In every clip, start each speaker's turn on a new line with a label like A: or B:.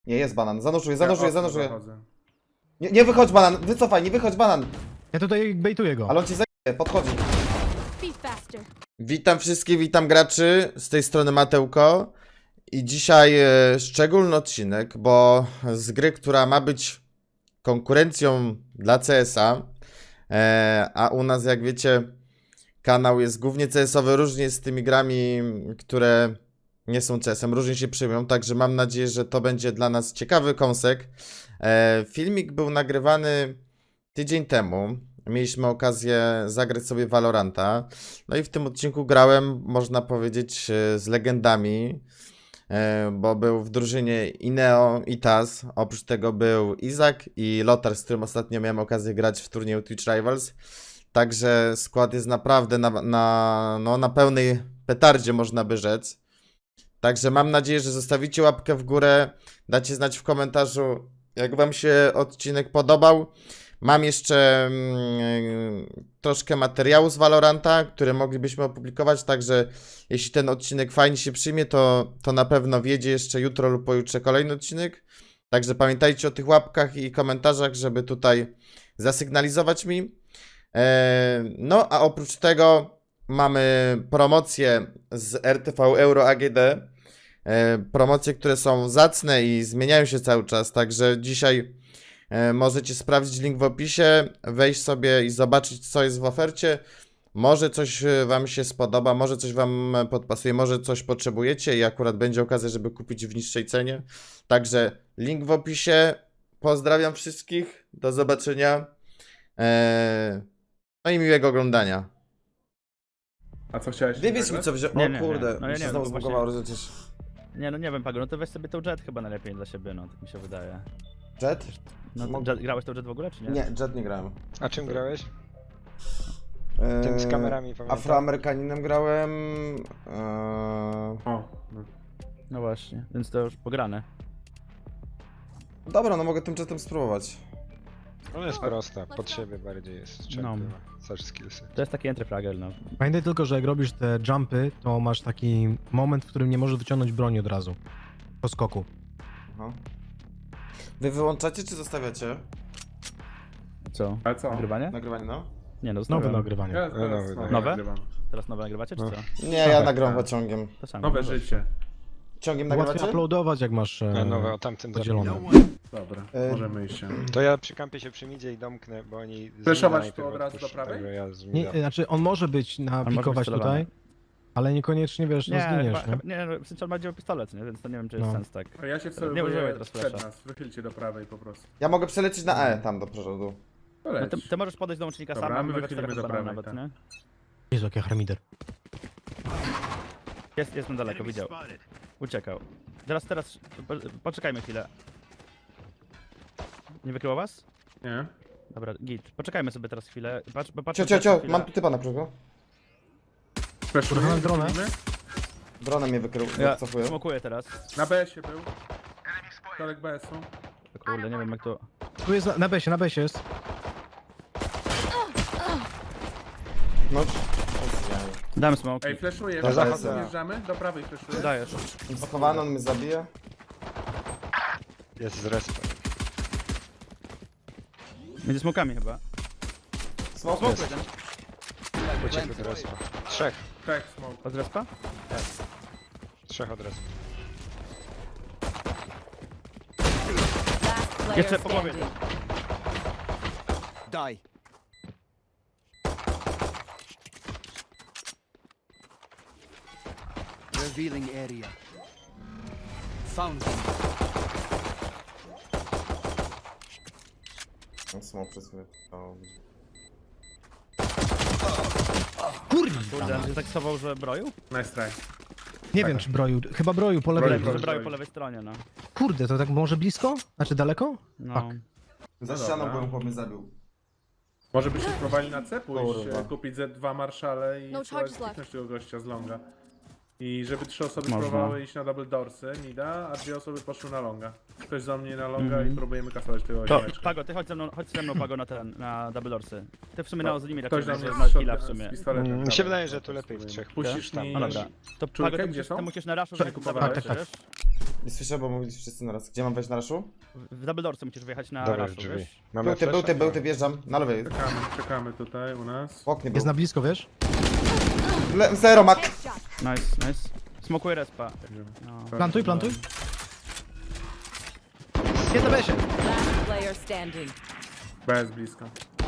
A: Nie, jest banan. Zanurzuję.
B: Zachodzę.
A: Nie wychodź banan, wycofaj, nie wychodź banan.
C: Ja tutaj bejtuję go.
A: Ale on ci zajmie, podchodzi.
D: Be faster.
A: Witam wszystkich, witam graczy, z tej strony Mateuko. I dzisiaj szczególny odcinek, bo z gry, która ma być konkurencją dla CS-a, a u nas, jak wiecie, kanał jest głównie CS-owy, różnie jest z tymi grami, które nie są CS-em, różnie się przyjmują, także mam nadzieję, że to będzie dla nas ciekawy kąsek. Filmik był nagrywany tydzień temu, mieliśmy okazję zagrać sobie Valoranta, no i w tym odcinku grałem, można powiedzieć, z legendami, bo był w drużynie Ineo i Taz, oprócz tego był Izak i Lotar, z którym ostatnio miałem okazję grać w turnieju Twitch Rivals. Także skład jest naprawdę na pełnej petardzie, można by rzec. Także mam nadzieję, że zostawicie łapkę w górę, dacie znać w komentarzu, jak wam się odcinek podobał. Mam jeszcze troszkę materiału z Valoranta, które moglibyśmy opublikować, także jeśli ten odcinek fajnie się przyjmie, to na pewno wjedzie jeszcze jutro lub pojutrze kolejny odcinek. Także pamiętajcie o tych łapkach i komentarzach, żeby tutaj zasygnalizować mi. No a oprócz tego mamy promocje z RTV Euro AGD. Promocje, które są zacne i zmieniają się cały czas, także dzisiaj możecie sprawdzić link w opisie, wejść sobie i zobaczyć, co jest w ofercie. Może coś wam się spodoba, może coś wam podpasuje, może coś potrzebujecie i akurat będzie okazja, żeby kupić w niższej cenie. Także link w opisie. Pozdrawiam wszystkich, do zobaczenia. No i miłego oglądania.
B: A co chciałeś?
A: Wybierz mi co wziąć.
E: Nie,
A: O
E: nie,
A: kurde,
E: nie. No
A: mi
E: ja
A: się
E: nie
A: znowu
E: wiem, bo
A: zbugowało, że przecież...
E: Nie, no nie wiem, Pago, no to weź sobie tą Jet chyba najlepiej dla siebie, no, tak mi się wydaje.
A: Jet?
E: No, grałeś tą Jet w ogóle, czy nie?
A: Nie, Jet nie grałem.
F: A czym grałeś? Tym z kamerami, pamiętam.
A: Afroamerykaninem grałem.
B: O, no.
E: No właśnie, więc to już pograne.
A: Dobra, no mogę tym Jetem spróbować.
F: Ona jest prosta, pod siebie bardziej jest.
E: No.
F: Search skillsy.
E: To jest taki entry fraggle, no.
C: Pamiętaj tylko, że jak robisz te jumpy, to masz taki moment, w którym nie możesz wyciągnąć broni od razu. Po skoku.
A: Aha. Wy wyłączacie czy zostawiacie
E: Co?
B: Ale co?
E: Nagrywanie?
A: nagrywanie, no?
E: Nie, no
C: Nowe
E: zostawiam.
C: nagrywanie.
B: Ja teraz
F: Nowe.
E: Nowe?
B: nagrywam.
E: Teraz nowe nagrywacie, czy
F: No.
E: co?
A: Nie, ja
F: Tak,
A: nagrywam
B: tak.
A: ciągiem.
E: To samo.
B: Nowe
E: no
B: życie.
A: Ciągiem
C: Łatwiej
A: nagrywacie?
C: uploadować, jak masz
F: A nowe o tamtym
C: podzielone.
B: Dobra,
A: E,
B: możemy iść się.
F: To ja przy kampie się przy midzie i domknę, bo oni... z
B: Flashować
F: mida
B: tu
F: najpierw
B: od razu do
F: odpuszczą,
B: prawej?
F: także Ja z
C: Nie,
F: mida.
C: znaczy on może być
E: może być
C: napikować
E: celowany.
C: tutaj, ale niekoniecznie, wiesz, no
E: Nie,
C: zginiesz,
E: chyba,
C: nie?
E: nie, no, w sensie on ma dzieło pistolet, nie? Więc to nie wiem, czy jest
C: No.
E: sens tak.
B: A ja się
E: Nie
B: wcelowuję
E: używaj teraz
B: przed
E: flasha.
B: nas. Wychylcie do prawej po prostu.
A: Ja mogę przelecieć na E, tam do przodu.
B: To
E: No
B: leć.
E: ty możesz podejść do łącznika
B: Dobra,
E: sam,
B: a my
E: mamy
B: wychylimy
E: czterech
B: do
E: banana
B: prawej,
E: nawet,
B: tak.
E: nie?
C: Jezu, jaki harmider.
E: Jest na daleko, widział. Uciekał. Teraz, poczekajmy chwilę. Nie wykryło was?
B: Nie?
E: Dobra, git. Poczekajmy sobie teraz chwilę.
A: Cio, mam tu typa na przykład.
B: Flashuję,
C: Kurwa, dronę?
B: wychylimy.
A: Dronem mnie wykrył,
E: Ja
A: cofuję.
E: smokuję teraz.
B: Na BS-ie był. Kolek BS-u.
E: Kurde, nie wiem jak to...
C: Tu jest, na besie jest.
A: No,
E: Dałem smoke.
B: Ej, flashuję.
F: No
B: Do
F: zachodzę.
B: prawej wjeżdżamy? Do prawej flashuję.
E: Dajesz.
A: schowany, on mnie zabije.
F: Jest z respa.
E: Między smokami chyba.
A: Smoke.
F: Jest. Uciekł do respa. Trzech.
B: Tak, smoke.
E: Od respa?
F: Trzech od respa.
D: Last player
E: Jeszcze po głowie.
D: standing.
G: Die. Revealing area. Found them.
A: Smoke przez chwilę. O,
E: Kurde, on się tak schował, że broju?
B: Nice try.
C: Nie wiem, czy broju. Chyba broju po lewej.
B: Broju,
E: Że
B: broju.
E: broju po lewej stronie, no.
C: Kurde, to tak może blisko? Znaczy daleko?
E: No.
C: Tak.
A: Za
B: No
A: ścianą
B: dobra.
A: byłem, chłop mnie zabił.
B: Może byście spróbowali na C pójść,
A: Kurwa.
B: kupić Z2 Marszale i
D: No
B: spróbować
D: charges left.
B: skipnąć tego gościa z longa. I żeby 3 osoby
E: Można.
B: spróbowały iść na double doorsy, mida, a 2 osoby poszły na longa. Ktoś za mnie na longa
E: Mhm.
B: i próbujemy kasować tego
E: To,
B: ziomeczka.
E: Pago, ty chodź ze mną, Pago, na double dorsy. Ty w sumie na limit
B: Ktoś
E: raczej
B: do mnie
E: masz killa w
B: z
E: sumie.
B: pistoletem.
F: Mi
B: Dawaj,
F: się wydaje, że
B: to
F: tu lepiej w
B: spróbujemy.
F: trzech.
B: Puścisz
F: tam.
B: mi...
E: No dobra. To
B: Czwórkę,
E: Pago,
B: gdzie są?
E: ty musisz na raszu
B: Czekaj,
E: żeby
B: kupowałeś?
E: kupować,
C: Tak, tak.
E: wiesz?
A: Nie słyszę, bo mówili wszyscy naraz. Gdzie mam wejść na raszu?
E: W Double Doorsy musisz wyjechać na
F: Dobra, w
E: raszu,
F: drzwi.
E: wiesz?
F: Mamy
A: Był ty, wjeżdżam. Na lewej.
B: Czekamy tutaj u nas.
A: W oknie był.
C: Jest na blisko, wiesz?
A: Zero, mak.
D: Headshot.
E: Nice, nice. Smokuję respa. No.
C: Plantuj, plantuj. Jest na besie.
D: Last player standing.
B: Bez blisko.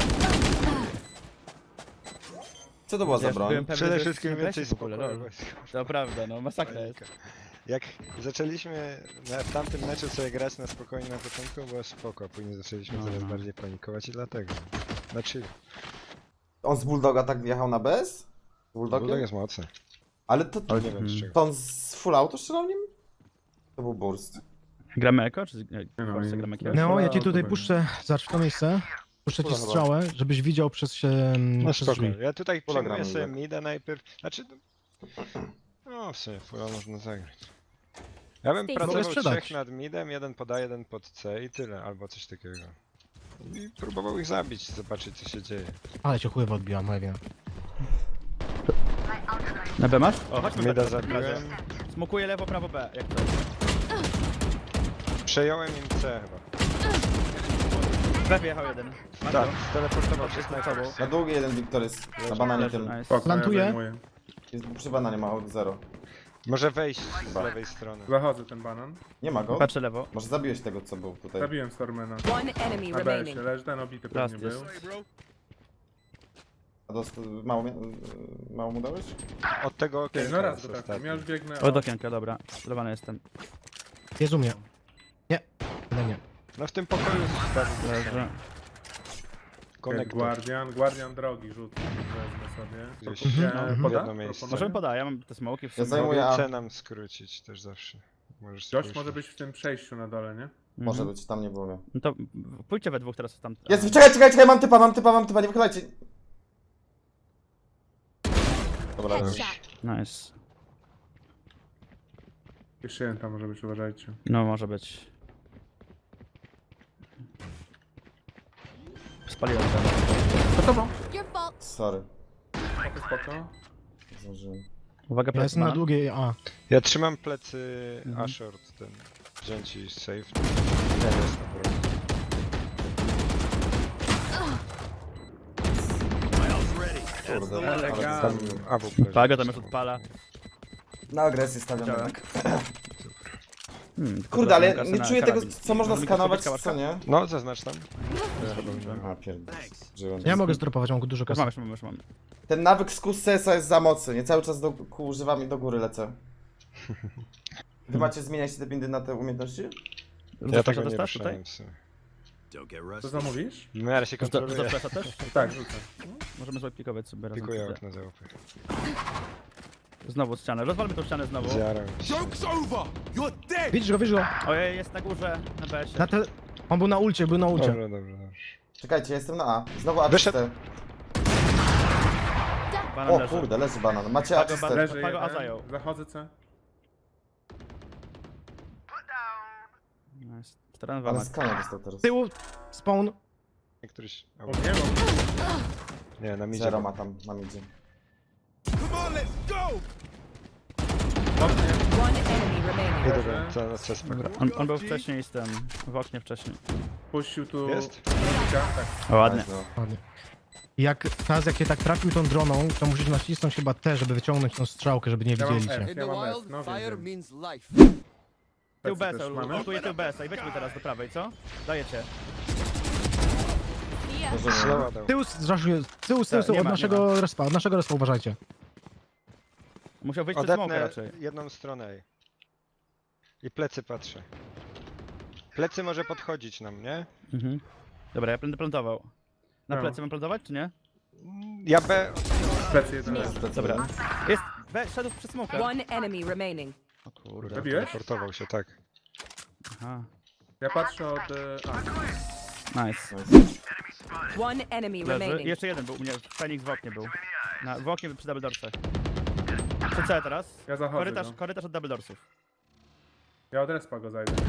A: Co to była za
E: Ja już
A: broń?
E: byłem pewny,
F: Przede
E: że
F: wszystkim
E: jest
F: więcej
E: w ogóle,
F: spokoju.
E: lol. To prawda, no masakra jest.
F: Jak zaczęliśmy w tamtym meczu sobie grać na spokojnie na początku, było spoko, a później zaczęliśmy coraz bardziej panikować i dlatego. Na chill.
A: On z Bulldoga tak wjechał na bez? Z
F: Bulldog
A: Bulldogiem?
F: jest mocny,
A: Ale to...
F: ale nie wiem z czego.
A: To on z full auto strzelał nim? To był burst.
E: Gramy eko, czy
B: no,
E: Polsce
B: i-
E: gramy eko?
C: Neo, ja ci tutaj
B: Dobra.
C: puszczę, zacz w to miejsce. Puszczę ci
A: Dobra, chyba.
C: strzałę, żebyś widział przez
F: No
C: przez
F: spoko,
C: drzwi.
F: ja tutaj
A: Pola
F: przyjmuję
A: gramy,
F: sobie
A: tak.
F: mida najpierw, znaczy... No w sumie, fula można zagrać. Ja bym
D: Mogę
F: pracował
C: sprzedać.
F: 3 nad midem, jeden poda, jeden pod C i tyle, albo coś takiego. I próbował ich zabić, zobaczyć co się dzieje.
C: Ale cię chływa odbiłam, Mewia.
E: Na B masz? O, chodźmy
F: Mida
E: B w takim razie.
F: zabiłem,
E: Smokuję lewo, prawo B, jak to.
F: przejąłem im C chyba.
E: B wjechał jeden. Masz
F: Tak,
E: go?
F: teleportował się
E: Jest
F: snajper.
E: na tobą.
A: Na długi jeden Victorys. Na bananie
E: Leży,
A: tym.
E: nice.
B: Spoko,
C: Plantuję.
B: Ja zajmuję.
A: Jest przy bananie ma od zero.
F: Może wejść z lewej strony.
B: Zachodzę ten banan.
A: Nie ma go?
E: Patrzę lewo.
A: Może zabiłeś tego, co był tutaj.
B: Zabiłem Stormena.
D: One enemy
B: Na
D: remaining.
B: BS-ie, leży ten obity
E: Last
B: pewnie
E: jest.
B: był.
A: A mało mu dałeś?
F: Od tego
B: Ty,
F: okienka
B: no raz
F: jest
B: go tak,
F: ostatni.
B: ja już biegnę.
E: Od okienka, dobra. Celowany jestem.
C: Jest u mnie. Nie, chyba nie.
F: No w tym pokoju zostawił
E: Leży.
F: konektor.
B: Guardian drogi rzucę. Wezmę sobie.
F: Gdzieś.
B: Poda?
F: Jedno miejsce.
B: Proponuję?
E: Możemy podać, ja mam te smoki w
A: Ja
E: sumie.
A: zajmuję A.
F: C nam skrócić też zawsze. Możesz
B: Gość
F: spójrz.
B: może być w tym przejściu na dole, nie?
A: Może
E: Mhm.
A: być, tam nie było mnie.
E: No to pójdźcie we dwóch teraz tam.
A: Jest, czekaj, mam typa, nie wychylajcie. Dobra,
D: Headshot.
E: Nice.
B: Jeszcze jeden tam może być, uważajcie.
E: No może być. Spaliłem to.
D: Your fault.
A: sorry.
B: Spoko.
A: Zdążyłem.
E: Uwaga,
C: Ja
E: plecy
C: jestem na
E: banan.
C: długiej A.
F: Ja trzymam plecy
E: Mhm.
F: A short ten. Wziąć i safe. Nie jest na broń.
A: Kurde,
B: Elegancko.
A: tam
F: AWP.
E: Pago tam już odpala.
A: na agresję stawiam
E: Działa.
A: jednak.
E: Tylko
A: Kurde, ale
E: kasę
A: nie
E: na
A: czuję tego,
E: karabin.
A: co można
E: Możemy
A: skanować,
E: kupić
A: co nie?
F: No, zaznacz tam.
A: A, pierdolę. Żyłem.
C: Ja mogę zdropować, mam dużo
E: Już
C: kasy.
E: mam, już mam.
A: Ten nawyk z QCS-a jest za mocny, nie cały czas używam i do góry lecę. Wy macie zmieniać te bindy na te umiejętności?
F: Ja tego nie
E: dostasz tutaj?
F: ruszałem w sumie.
B: Co zamówisz?
F: W miarę się kontroluje.
E: Rzucasz też?
B: Tak, rzucę.
E: Możemy sobie pikować sobie razem.
F: Pikuję
E: wtedy.
F: okno za łupy.
E: Znowu ścianę, rozwalmy tą ścianę znowu.
F: Zjarał się.
C: Widzisz go, widzisz go.
E: Ojej, jest na górze, na BS-ie.
C: Na te... On był na ulcie, był na ulcie.
F: Dobra, dobrze.
A: Czekajcie, jestem na A. Znowu A
F: Wyszedł.
A: czyste.
E: Banan
A: O
E: leży.
A: kurde, leży banan. Macie A
E: Pago,
A: czyste.
B: Leży
E: Pago A
B: jeden.
E: zajął.
B: Zachodzę C.
E: Nice. 4 na 2
A: Ale
E: max.
A: skania dostał teraz.
C: Z tyłu, spawn.
F: Któryś...
B: O, nie mam.
F: Nie, na midzie.
A: Zero ma tam, na midzie.
D: One enemy remaining.
F: Nie dobra, co na C
E: Dobra,
F: spoko.
E: on był wcześniej z tym, w oknie wcześniej.
B: Puścił tu...
F: Jest?
B: Tak.
E: O, ładnie.
A: Nice, no.
C: Ładnie. Jak teraz jak je tak trafił tą droną, to musisz nacisnąć chyba T, żeby wyciągnąć tą strzałkę, żeby nie
B: Ja mam
C: widzieli cię.
B: F.
G: In
B: Ja
G: the
B: mam F,
G: wild,
B: no
G: fire
B: wiem.
G: means life.
E: Tył
B: Plecy też
E: BS-a,
B: mamy?
E: lutuję tył BS-a i weźmy teraz do prawej, co? Dajecie.
D: Yeah.
A: Rozumiem.
F: Slowa dał.
C: Tył, zraszuję, tył,
E: Tak, nie
C: od
E: ma,
C: naszego respa, uważajcie.
E: Musiał wyjść przez smoka
F: Odetnę
E: raczej.
F: jedną stronę. I plecy patrzę. Plecy może podchodzić nam, nie?
E: Mhm. Dobra, ja będę plantował. Na
B: No.
E: plecy mam plantować, czy nie?
F: Ja B...
B: Plecy jeden leży.
E: Dobra. Jest, szedł przez smoka.
D: One enemy remaining.
E: O kurde.
B: Zabiłeś?
F: Teleportował się, tak.
E: Aha.
B: Ja patrzę od... A.
E: Nice.
D: One enemy
E: Leży. I
D: remaining.
E: jeszcze jeden był u mnie, Fenix w oknie był. W oknie przy double doorsach. Przy C teraz.
B: Ja zachodzę
E: Korytarz,
B: go.
E: korytarz od double doorsów.
B: Ja od respa go zajdę.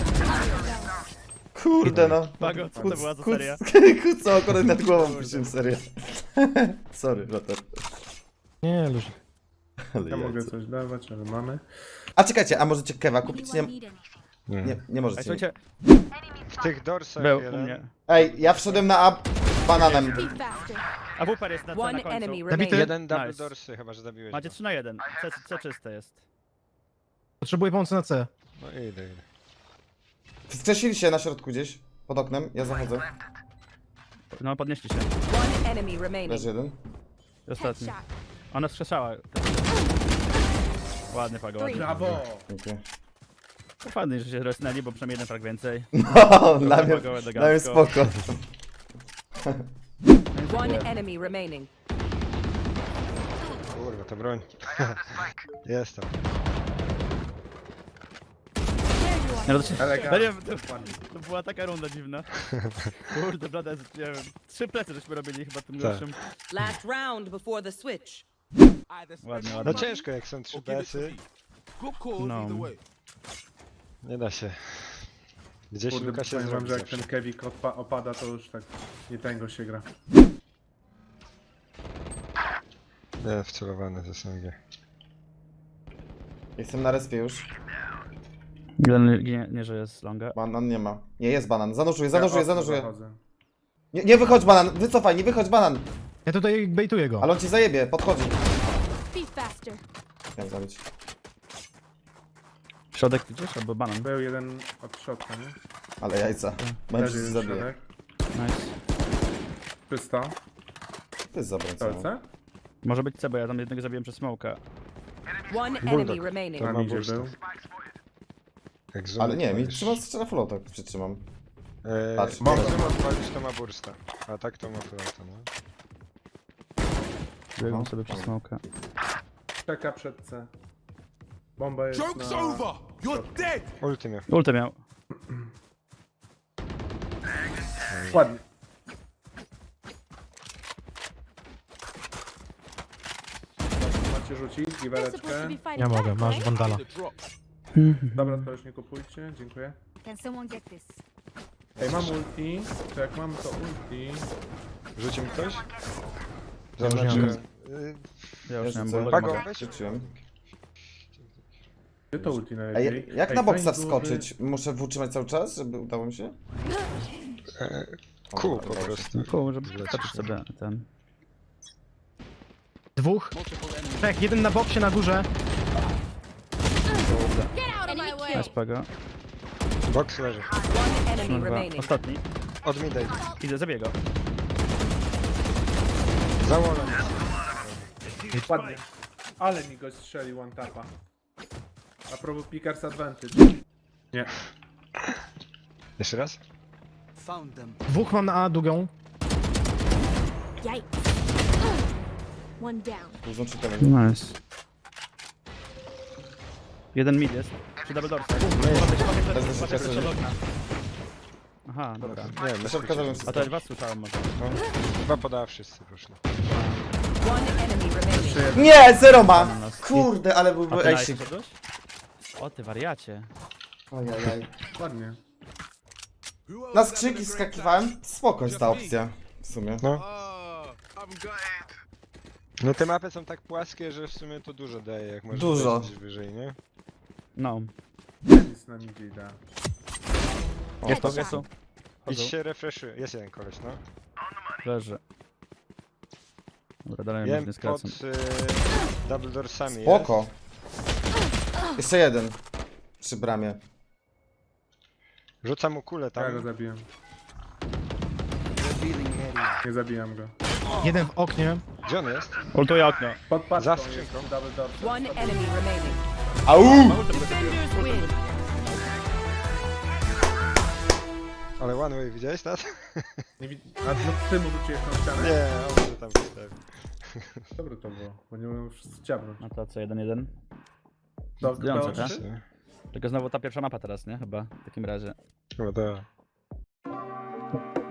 A: Kurde no.
E: Pago, co to była za seria?
A: Kuca akurat nad głową piszę serię. Sorry, Lotter.
C: Nie, luź.
A: Ale
B: Ja mogę
A: jajco.
B: coś dawać, ale mamy.
A: A czekajcie, a możecie kewa kupić? Nie,
F: Nie.
A: nie
E: Ej,
A: możecie.
E: słuchajcie,
F: W tych dorsach
E: był u
F: jeden.
E: mnie.
A: Ej, ja wszedłem na A bananem.
E: A WP jest na C na
D: One
E: końcu.
D: enemy
C: Zabity.
D: remaining.
F: Jeden double
E: Nice.
F: dorsy, chyba że zabiłeś.
E: Macie
F: go.
E: 3 na 1. C czyste jest.
C: Potrzebuję pomocy na C.
F: No idę.
A: Wskrzesili się na środku gdzieś, pod oknem, ja zachodzę.
E: No, podnieśli się.
D: One enemy remaining.
A: Leży jeden.
E: Ostatni. Ona wskrzeszała. Ładny pago, ładny.
B: Brawo!
A: Dziękuję.
E: To fajnie, że się rozsnęli, bo przynajmniej jeden frag więcej.
A: No, dla mnie
E: Pago elegancko.
A: spoko.
D: One enemy remaining.
F: Kurwa, to broń. Jest tam.
E: Nie, no to, się,
B: Elegancko.
E: to była taka runda dziwna. Kurde, blada, nie wiem. 3 plecy żeśmy robili chyba tym
F: Tak.
E: gorszym.
D: Last round before the switch.
E: Ładnie,
F: No
E: ładnie.
F: ciężko jak są 3 PS-y.
E: No.
F: Nie da się. Gdzieś
B: Kurde,
F: Luka się
B: powiem wam,
F: zrobi
B: że jak
F: zawsze.
B: ten Kevik opada, to już tak nie tęgo się gra.
F: Nie, wcelowany z SMG.
A: Jestem na respie już.
E: Jeden nie, że jest longa.
A: Banan nie ma. Nie, jest banan. Zanurzuję,
B: Ja okno
A: zanurzuję.
B: zachodzę.
A: Nie wychodź banan, wycofaj, nie wychodź banan.
C: Ja tutaj bejtuję go.
A: Ale on ci zajebie, podchodzi.
H: Be faster.
A: Miałem zabić.
E: Środek gdzieś albo banan.
B: Był jeden od środka, nie?
A: Ale jajca. Będzie
B: Leży
A: ci
B: jeden
A: zabije.
B: środek.
E: Nice.
B: Czysto.
A: To jest zabrońca.
B: Kolce?
E: Może być C, bo ja tam jednego zabiłem przez smoka.
D: One
F: Bulldog.
D: enemy remaining.
F: To
B: Na
F: ma
B: midzie
F: bursta.
B: był.
F: Jak zoom
A: Ale nie, mi
F: odpalisz.
A: trzyma strzela flotek, przytrzymam. Patrz.
F: Jak zoom odpalisz, to ma bursta. A tak to ma flota, no.
E: Biegłem sobie przez smoka.
B: Czeka przed C. Bomba jest na... środku.
F: Ulty miał.
E: Ultę miał.
B: Ładnie. Macie rzucić
H: They're supposed to
B: giwereczkę.
H: be fighting
C: Ja mogę,
H: back,
C: masz
H: right?
C: bandala.
B: Dobra, to już nie kupujcie, dziękuję.
H: Can someone get this?
B: Ej, mam ulti. To jak mam to ulti...
F: Rzuci mi ktoś?
C: Ja już nie
F: Zaznaczyłem.
E: Ja już nie mam
A: rzucę.
E: bulldog,
F: Pago,
E: mogę.
F: weź.
A: Rzuciłem.
B: Gdzie to ulti
A: Ej,
B: najlepiej?
A: jak
B: Ej,
A: na boksa
B: fajnie
A: wskoczyć? Muszę wtrzymać cały czas, żeby udało mi się?
F: Kół po prostu.
E: Cool, żeby zobaczyć sobie ten.
C: Dwóch. Trzech, jeden na boksie na górze.
H: Get out of my way!
E: Nice pago.
F: Box leży.
D: One enemy
E: Kurwa.
D: remaining.
E: Ostatni.
F: Od mida idzie.
E: Idę, zabiję go.
F: Za wallem.
B: były. Ładnie. Ale mi go strzelił one tapa. A propos Pickers Advantage. Nie.
F: Jeszcze raz?
G: Found them.
C: Dwóch mam na A, długą.
H: Yikes. One down.
A: Dużą czytałem.
E: Nice. Jeden mid jest. Przy double doorce. Aha, dobra.
F: Nie wiem,
A: Do środka zrobię
E: A
A: wszystko.
E: to ja was słyszałem może.
F: chyba podała wszyscy poszli.
D: One enemy remaining.
B: Jeszcze jeden.
A: Nie, zero ma!
E: nas.
A: Kurde, ale
E: A
A: byłby
E: ty
A: ejsik.
E: nice szedłeś? O ty wariacie.
A: Ojajaj.
B: Ładnie.
A: Na skrzyki skakiwałem. Spoko jest ta opcja. W sumie.
F: No. No te mapy są tak płaskie, że w sumie to dużo daje, jak możesz
A: Dużo.
F: wejść wyżej, nie?
E: No.
B: Jest na midzie idea.
E: Jest to,
H: Headshot.
E: jest tu.
F: Idź
E: Chodzą.
F: się refreshuje. Jest jeden koleś, no.
E: Leży. Dobra, dalej mnie
F: Jem
E: nie
F: pod
E: skracam.
F: double doorsami
A: Spoko. Jeszcze jeden. Przy bramie.
F: jest. Rzucam mu kulę
B: Ja go
F: tam.
B: zabiłem.
G: Revealing area.
B: Nie zabijam go.
C: Jeden w oknie.
F: Gdzie on jest?
E: Ultuję okno.
B: Pod
F: Za
B: paczką
F: skrzynką.
B: jest double door.
D: One enemy remaining.
A: Au!
D: Defenders win.
F: Ale one way widziałeś teraz?
B: Nie A no ty mu rzuciłeś tą ścianę?
F: Nie, on może tam wystawi.
B: Dobre to było, bo nie mogłem wszyscy ciabnąć.
E: No to co, 1-1?
B: To
E: Zdjące,
B: kto?
E: tak? Tylko znowu ta pierwsza mapa teraz, nie? Chyba w takim razie.
F: Chyba to.